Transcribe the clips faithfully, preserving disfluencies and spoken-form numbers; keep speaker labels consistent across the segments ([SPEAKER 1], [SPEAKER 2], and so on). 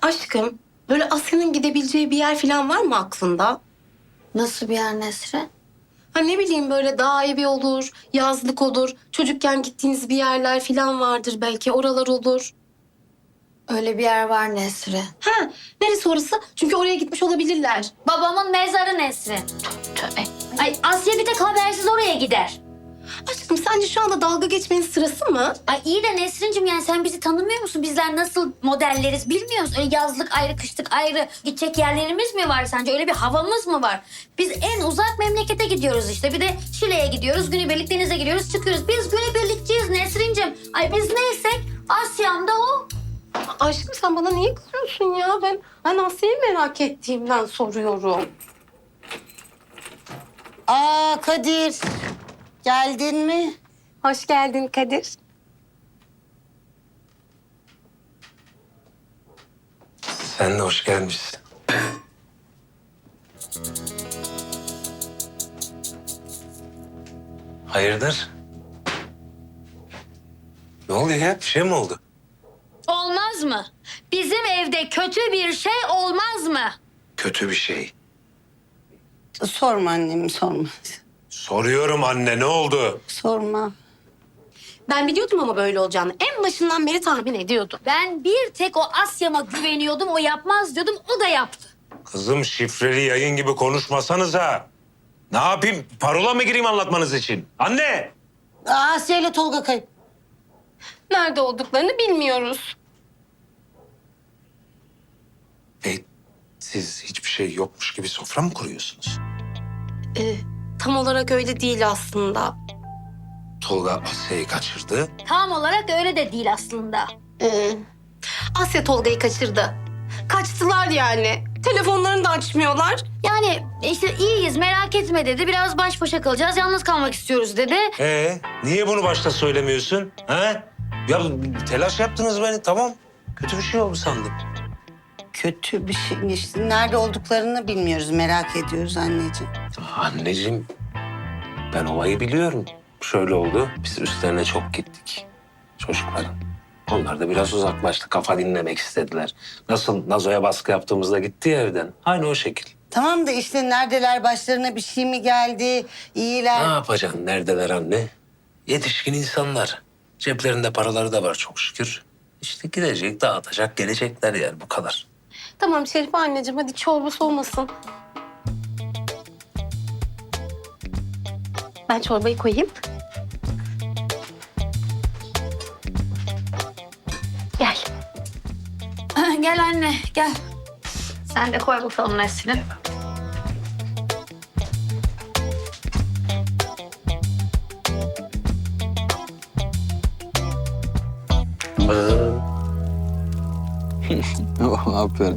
[SPEAKER 1] Aşkım, böyle Asya'nın gidebileceği bir yer falan var mı aklında?
[SPEAKER 2] Nasıl bir yer Nesrin?
[SPEAKER 1] Ha ne bileyim böyle dağ evi olur, yazlık olur. Çocukken gittiğiniz bir yerler falan vardır belki oralar olur.
[SPEAKER 2] Öyle bir yer var Nesrin.
[SPEAKER 1] Ha neresi orası? Çünkü oraya gitmiş olabilirler.
[SPEAKER 3] Babamın mezarı Nesrin.
[SPEAKER 1] Tövbe.
[SPEAKER 3] Ay Asya bir tek habersiz oraya gider.
[SPEAKER 1] Aşkım sence şu anda dalga geçmenin sırası mı?
[SPEAKER 3] Ay iyi de Nesrin'cim yani sen bizi tanımıyor musun? Bizler nasıl modelleriz bilmiyoruz. Öyle yazlık ayrı, kışlık ayrı gidecek yerlerimiz mi var sence? Öyle bir havamız mı var? Biz en uzak memlekete gidiyoruz işte. Bir de Şile'ye gidiyoruz, günübirlik denize giriyoruz, çıkıyoruz. Biz günübirlikçiyiz Nesrin'cim. Ay biz neysek Asya'm da o.
[SPEAKER 1] Aşkım sen bana niye kızıyorsun ya? Ben, ben Asya'yı merak ettiğimden soruyorum.
[SPEAKER 4] Aa Kadir, geldin mi?
[SPEAKER 1] Hoş geldin Kadir.
[SPEAKER 5] Sen de hoş gelmişsin. Hayırdır? Ne oluyor ya? Bir şey mi oldu?
[SPEAKER 3] Olmaz mı? Bizim evde kötü bir şey olmaz mı?
[SPEAKER 5] Kötü bir şey.
[SPEAKER 4] Sorma annem, sorma.
[SPEAKER 5] Soruyorum anne, ne oldu?
[SPEAKER 4] Sorma.
[SPEAKER 1] Ben biliyordum ama böyle olacağını. En başından beri tahmin ediyordum.
[SPEAKER 3] Ben bir tek o Asya'ma güveniyordum, o yapmaz diyordum, o da yaptı.
[SPEAKER 5] Kızım şifreli yayın gibi konuşmasanıza. Ne yapayım? Parola mı gireyim anlatmanız için? Anne!
[SPEAKER 4] Aa, Asya ile Tolga kayıp.
[SPEAKER 1] Nerede olduklarını bilmiyoruz.
[SPEAKER 5] E, siz hiçbir şey yokmuş gibi sofra mı kuruyorsunuz?
[SPEAKER 1] Ee, tam olarak öyle değil aslında.
[SPEAKER 5] Tolga Asya'yı kaçırdı.
[SPEAKER 3] Tam olarak öyle de değil aslında.
[SPEAKER 1] Ee, Asya Tolga'yı kaçırdı. Kaçtılar yani. Telefonlarını da açmıyorlar.
[SPEAKER 3] Yani işte iyiyiz merak etme dedi. Biraz baş başa kalacağız, yalnız kalmak istiyoruz dedi.
[SPEAKER 5] Ee, niye bunu başta söylemiyorsun? Ha? Ya telaş yaptınız beni, tamam. Kötü bir şey oldu sandım.
[SPEAKER 4] Kötü bir şey işte. Nerede olduklarını bilmiyoruz, merak ediyoruz anneciğim.
[SPEAKER 5] Anneciğim, ben olayı biliyorum. Şöyle oldu, biz üstlerine çok gittik çocukların. Onlar da biraz uzaklaştı, kafa dinlemek istediler. Nasıl Nazo'ya baskı yaptığımızda gitti ya evden. Aynı o şekil.
[SPEAKER 4] Tamam da işte neredeler, başlarına bir şey mi geldi, iyiler.
[SPEAKER 5] Ne yapacaksın, neredeler anne? Yetişkin insanlar. Ceplerinde paraları da var çok şükür. İşte gidecek, dağıtacak, gelecekler yani bu kadar.
[SPEAKER 1] Tamam Şerife anneciğim hadi çorba soğumasın. Ben çorbayı koyayım. Gel.
[SPEAKER 3] Gel anne gel. Sen de koy bakalım Nesrin.
[SPEAKER 6] Oh, aferin.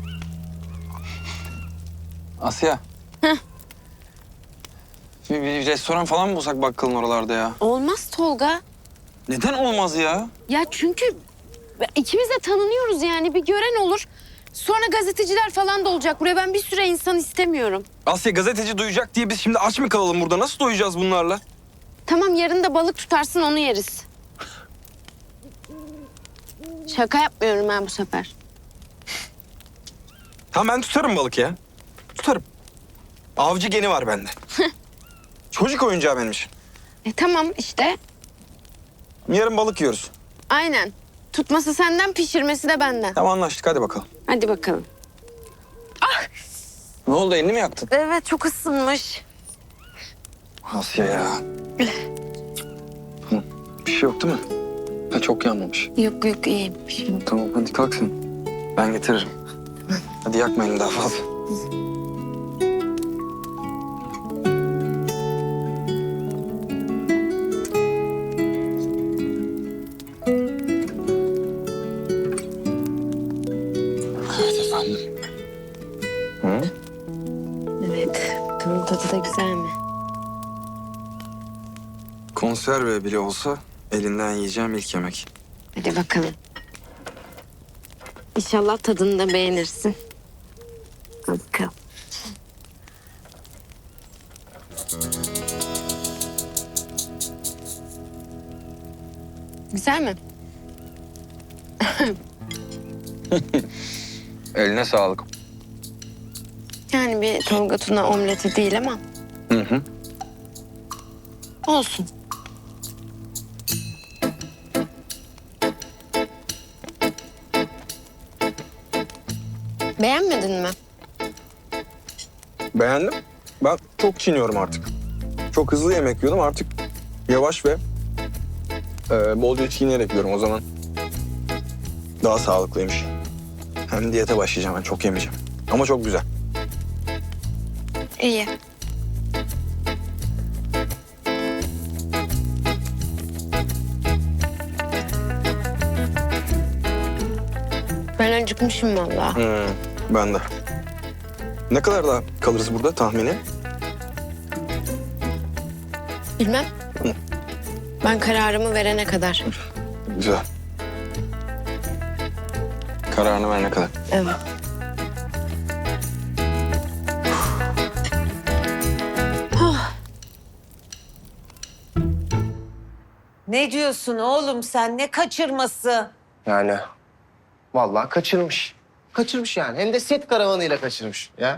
[SPEAKER 6] Asya.
[SPEAKER 7] Heh.
[SPEAKER 6] Bir, bir restoran falan mı bulsak bakkalın oralarda ya?
[SPEAKER 7] Olmaz Tolga.
[SPEAKER 6] Neden olmaz ya?
[SPEAKER 7] Ya çünkü ikimiz de tanınıyoruz yani bir gören olur. Sonra gazeteciler falan da olacak buraya. Ben bir süre insan istemiyorum.
[SPEAKER 6] Asya gazeteci duyacak diye biz şimdi aç mı kalalım burada? Nasıl doyacağız bunlarla?
[SPEAKER 7] Tamam yarın da balık tutarsın onu yeriz. Şaka yapmıyorum ben bu sefer.
[SPEAKER 6] Tamam ben tutarım balık ya. Tutarım. Avcı geni var bende. Çocuk oyuncağı benim için.
[SPEAKER 7] E tamam işte.
[SPEAKER 6] Yarın balık yiyoruz.
[SPEAKER 7] Aynen. Tutması senden, pişirmesi de benden.
[SPEAKER 6] Tamam anlaştık, hadi bakalım.
[SPEAKER 7] Hadi bakalım.
[SPEAKER 6] Ne oldu, elini mi yaktın?
[SPEAKER 7] Evet çok ısınmış.
[SPEAKER 6] Asya ya. Hı, bir şey yok değil mi? Ha, çok yanmamış.
[SPEAKER 7] Yok yok iyiyim. Bir şey yok.
[SPEAKER 6] Tamam hadi kalk sen. Ben getiririm. Hadi yakma elini daha fazla. Evet efendim. Hı?
[SPEAKER 7] Evet. Bakalım tadı da güzel mi?
[SPEAKER 6] Konserve bile olsa elinden yiyeceğim ilk yemek.
[SPEAKER 7] Hadi bakalım. İnşallah tadını da beğenirsin. Hadi bakalım. Güzel mi?
[SPEAKER 6] Eline sağlık.
[SPEAKER 7] Yani bir Tolga Tuna omleti değil ama
[SPEAKER 6] Hı hı.
[SPEAKER 7] olsun. Beğenmedin mi?
[SPEAKER 6] Beğendim. Ben çok çiğniyorum artık. Çok hızlı yemek yiyordum artık yavaş ve e, bolca çiğneyerek yiyorum o zaman. Daha sağlıklıymış. Hem diyete başlayacağım ben çok yemeyeceğim. Ama çok güzel.
[SPEAKER 7] İyi. Ben acıkmışım vallahi.
[SPEAKER 6] Hmm, ben de. Ne kadar daha kalırız burada tahmini?
[SPEAKER 7] Bilmem. Ben kararımı verene kadar.
[SPEAKER 6] Güzel. Kararını verene kadar.
[SPEAKER 7] Evet.
[SPEAKER 8] Ne diyorsun oğlum sen? Ne kaçırması?
[SPEAKER 9] Yani vallahi kaçırmış. Kaçırmış yani. Hem de set karavanıyla kaçırmış ya.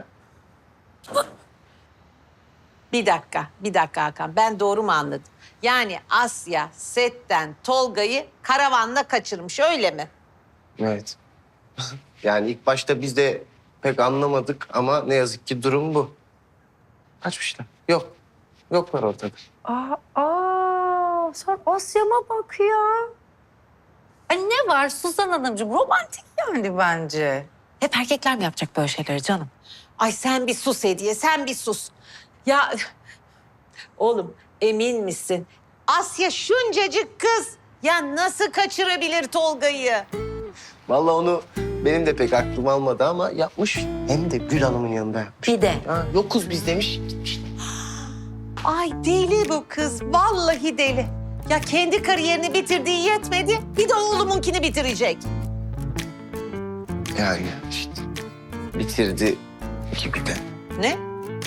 [SPEAKER 8] Bir dakika, bir dakika Hakan. Ben doğru mu anladım? Yani Asya setten Tolga'yı karavanla kaçırmış öyle mi?
[SPEAKER 9] Evet. Yani ilk başta biz de pek anlamadık ama ne yazık ki durum bu. Kaçmışlar. Yok. Yoklar ortada.
[SPEAKER 8] Aa, aa sen Asya'ma bak ya. Ay ne var Suzan Hanımcığım? Romantik yani bence. Hep erkekler mi yapacak böyle şeyleri canım? Ay sen bir sus Hediye, sen bir sus. Ya oğlum emin misin? Asya şuncacık kız. Ya nasıl kaçırabilir Tolga'yı?
[SPEAKER 9] Vallahi onu benim de pek aklım almadı ama yapmış. Hem de Gül Hanım'ın yanında yapmış.
[SPEAKER 8] Bir de.
[SPEAKER 9] Ha, yokuz biz demiş gitmiş.
[SPEAKER 8] Ay deli bu kız. Vallahi deli. Ya kendi kariyerini bitirdiği yetmedi. Bir de oğlumunkini bitirecek.
[SPEAKER 9] Yani işte bitirdi gibi de.
[SPEAKER 8] Ne?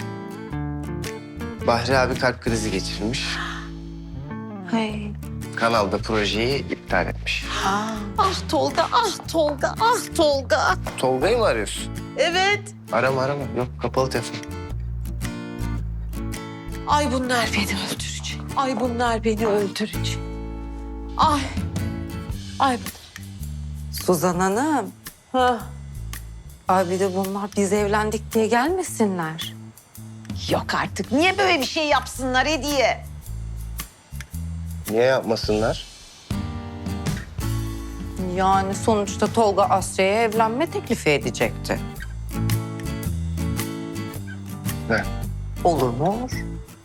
[SPEAKER 9] Bahri abi kalp krizi geçirmiş.
[SPEAKER 8] Hey.
[SPEAKER 9] Kanalda projeyi iptal etmiş.
[SPEAKER 8] Ah Tolga, ah Tolga, ah Tolga.
[SPEAKER 9] Tolga'yı mı arıyorsun?
[SPEAKER 8] Evet.
[SPEAKER 9] Arama arama. Yok kapalı telefon.
[SPEAKER 8] Ay bunlar beni öldürecek. Ay bunlar beni öldürecek. Ay. Ay.
[SPEAKER 10] Suzan Hanım,
[SPEAKER 8] Ha.
[SPEAKER 10] ay bir de bunlar biz evlendik diye gelmesinler.
[SPEAKER 8] Yok artık. Niye böyle bir şey yapsınlar Hediye?
[SPEAKER 9] Niye yapmasınlar?
[SPEAKER 10] Yani sonuçta Tolga Asya'ya evlenme teklifi edecekti.
[SPEAKER 9] Ne?
[SPEAKER 10] Olur mu olur?